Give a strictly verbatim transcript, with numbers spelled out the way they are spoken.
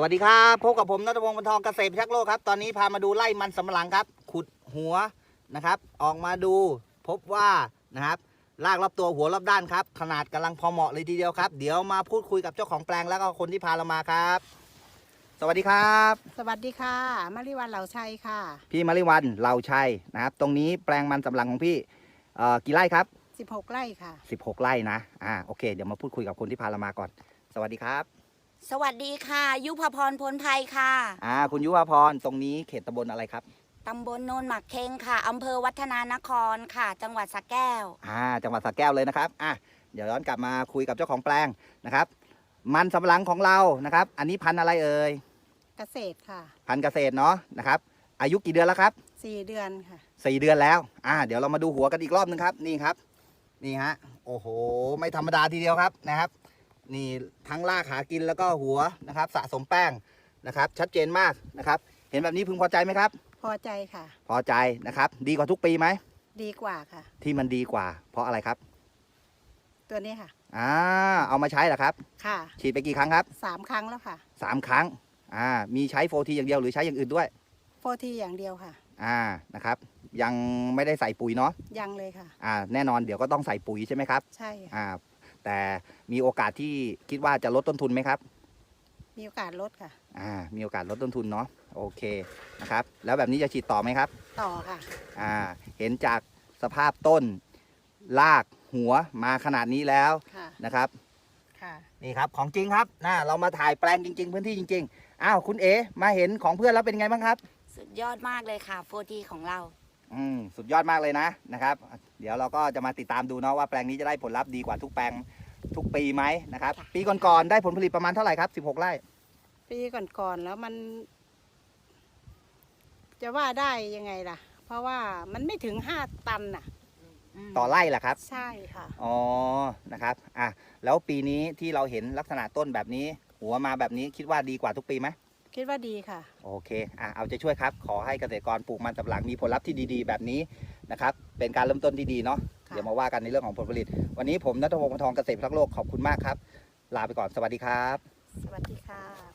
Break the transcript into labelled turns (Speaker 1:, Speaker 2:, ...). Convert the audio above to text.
Speaker 1: สดีครับพบกับผมณัฐพงศ์ บรรทองเกษตรพิทักษ์โลกครับตอนนี้พามาดูไร่มันสำปะหลังครับขุดหัวนะครับออกมาดูพบว่านะครับรากรอบตัวหัวรอบด้านครับขนาดกำลังพอเหมาะเลยทีเดียวครับเดี๋ยวมาพูดคุยกับเจ้าของแปลงแล้วก็คนที่พาเรามาครับสวัสดีครับ
Speaker 2: สวัสดีค่ะมาริวันเหล่าชัยค่ะ
Speaker 1: พี่มาริวันเหล่าชัยนะครับตรงนี้แปลงมันสำปะหลังของพี่เอ่อกี่ไร่ครับ
Speaker 2: สิบหกไร่ค่ะ
Speaker 1: สิบหกไร่นะอ่าโอเคเดี๋ยวมาพูดคุยกับคนที่พาเรามาก่อนสวัสดีครับ
Speaker 3: สวัสดีค่ะยุพพรพลภัยค่ะ
Speaker 1: อ่าคุณยุวพรตรงนี้เขตตำบลอะไรครับ
Speaker 3: ตำบลโนนหมักเค็งค่ะอำเภอวัฒนานครค่ะจังหวัดสระแก้ว
Speaker 1: อ่าจังหวัดสระแก้วเลยนะครับอ่ะเดี๋ยวย้อนกลับมาคุยกับเจ้าของแปลงนะครับมันสำปะหลังของเรานะครับอันนี้พันธุ์อะไรเอ่ย
Speaker 2: เกษตรค่ะ
Speaker 1: พันธุ์เกษตรเนาะนะครับอายุกี่เดือนแล้วครับ
Speaker 2: สี่เดือนค่ะ
Speaker 1: สี่เดือนแล้วอ่าเดี๋ยวเรามาดูหัวกันอีกรอบนึงครับนี่ครับนี่ฮะโอ้โหไม่ธรรมดาทีเดียวครับนะครับนี่ทั้งรากหากินแล้วก็หัวนะครับสะสมแป้งนะครับชัดเจนมากนะครับเห็นแบบนี้พึงพอใจไหมครับ
Speaker 2: พอใจค่ะ
Speaker 1: พอใจนะครับดีกว่าทุกปีไหม
Speaker 2: ดีกว่าค่ะ
Speaker 1: ที่มันดีกว่าเพราะอะไรครับ
Speaker 2: ตัวนี้ค่ะ
Speaker 1: อ่าเอามาใช้เหรอครับ
Speaker 2: ค่ะ
Speaker 1: ฉีดไปกี่ครั้งครับ
Speaker 2: สามครั้งแล้วค่ะ
Speaker 1: สามครั้งอ่ามีใช้โฟทีอย่างเดียวหรือใช้อย่างอื่นด้วย
Speaker 2: โฟทีอย่างเดียวค่ะ
Speaker 1: อ่านะครับยังไม่ได้ใส่ปุ๋ยเนาะ
Speaker 2: ยังเลยค่ะ
Speaker 1: อ่าแน่นอนเดี๋ยวก็ต้องใส่ปุ๋ยใช่ไหมครับ
Speaker 2: ใช่
Speaker 1: อ่าแต่มีโอกาสที่คิดว่าจะลดต้นทุนไหมครับ
Speaker 2: มีโอกาสลดค่ะ
Speaker 1: อ่ามีโอกาสลดต้นทุนเนาะโอเคนะครับแล้วแบบนี้จะฉีดต่อไหมครับ
Speaker 2: ต่อค่ะ
Speaker 1: อ่าเห็นจากสภาพต้นรากหัวมาขนาดนี้แล้วนะครับ
Speaker 2: ค่ะ
Speaker 1: นี่ครับของจริงครับนะเรามาถ่ายแปลงจริงๆพื้นที่จริงๆอ้าวคุณเอ๋มาเห็นของเพื่อนแล้วเป็นไงบ้างครับ
Speaker 3: สุดยอดมากเลยค่ะโฟทีของเรา
Speaker 1: อืมสุดยอดมากเลยนะนะครับเดี๋ยวเราก็จะมาติดตามดูเนาะว่าแปลงนี้จะได้ผลลัพธ์ดีกว่าทุกแปลงทุกปีไหมนะครับปีก่อนๆได้ผลผลิตประมาณเท่าไหร่ครับสิบหกไร่
Speaker 2: ปีก่อนๆแล้วมัน จะว่าได้ยังไงล่ะเพราะว่ามันไม่ถึงห้าตันน่ะ
Speaker 1: ต่อไร่แหละครับ
Speaker 2: ใช่ค่ะ
Speaker 1: อ๋อนะครับอ่ะแล้วปีนี้ที่เราเห็นลักษณะต้นแบบนี้หัวมาแบบนี้คิดว่าดีกว่าทุกปีไหม
Speaker 2: คิดว่าดีค่ะ
Speaker 1: โอเคอ่ะเอาใจช่วยครับขอให้เกษตรกรปลูกมันสำปะหลังมีผลลัพธ์ที่ดีๆแบบนี้นะครับเป็นการเริ่มต้นที่ดีเนาะเดี๋ยวมาว่ากันในเรื่องของผลผลิตวันนี้ผมณัฐพงศ์ บรรทองเกษตรพิทักษ์โลกขอบคุณมากครับลาไปก่อนสวัสดีครับ
Speaker 2: สวัสดีค่ะ